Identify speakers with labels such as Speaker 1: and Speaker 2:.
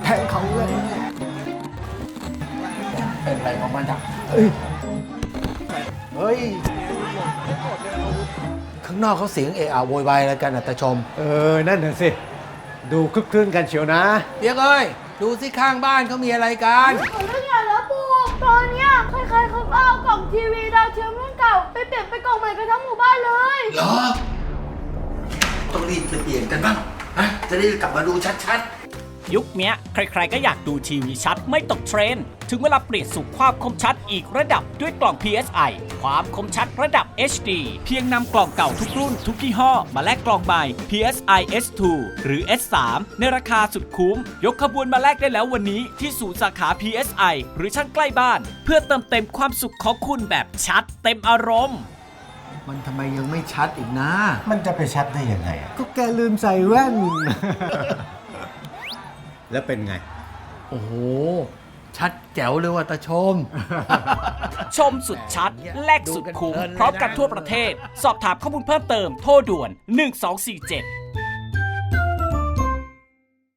Speaker 1: ทงเขาเลย
Speaker 2: เป็นไปของมันจ้ะ
Speaker 1: เฮ้ย
Speaker 2: ข้างนอกเขาเสียงเอะอะโวยวายอะไรกันตาชม
Speaker 1: นั่นน่ะสิ ดูคึกคืนกันเชียวนะ
Speaker 2: เปียกเอ้ยดูสิข้างบ้านเขามีอะไรกัน
Speaker 3: เรื่องใหญ่แล้วปู่ตอนเนี้ยใครๆเขาก็เอากล่องทีวีดาวเทียมรุ่นเก่าไปเปลี่ยนเป็นกล่องใหม่กันทั้งหมู่บ้านเลย
Speaker 2: เหรอต้องรีบไปเปลี่ยนกันบ้างฮะจะได้กลับมาดูชัด
Speaker 4: ยุคเนี้ยใครๆก็อยากดูทีวีชัดไม่ตกเทรนด์ถึงเวลาเปลี่ยนสู่ความคมชัดอีกระดับด้วยกล่อง PSI ความคมชัดระดับ HD เพียงนำกล่องเก่าทุกรุ่นทุกยี่ห้อมาแลกกล่องใหม่ PSI S2 หรือ S3 ในราคาสุดคุ้มยกขบวนมาแลกได้แล้ววันนี้ที่ศูนย์สาขา PSI หรือช่างใกล้บ้านเพื่อเติมเต็มความสุขของคุณแบบชัดเต็มอารมณ์
Speaker 2: ๆ มันทำไมยังไม่ชัดอีกนะ
Speaker 5: มันจะไปชัดได้ยังไงอะ
Speaker 1: ก็แกลืมใส่แว่น แล้วเป็นไง
Speaker 2: โอ้โห ชัดแจ๋วเลยว่ะตาชม
Speaker 4: ชมสุดชัด แลกสุดคุ้มพร้อมกันทั่วประเทศ สอบถามข้อมูลเพิ่มเติมโทรด่วน1247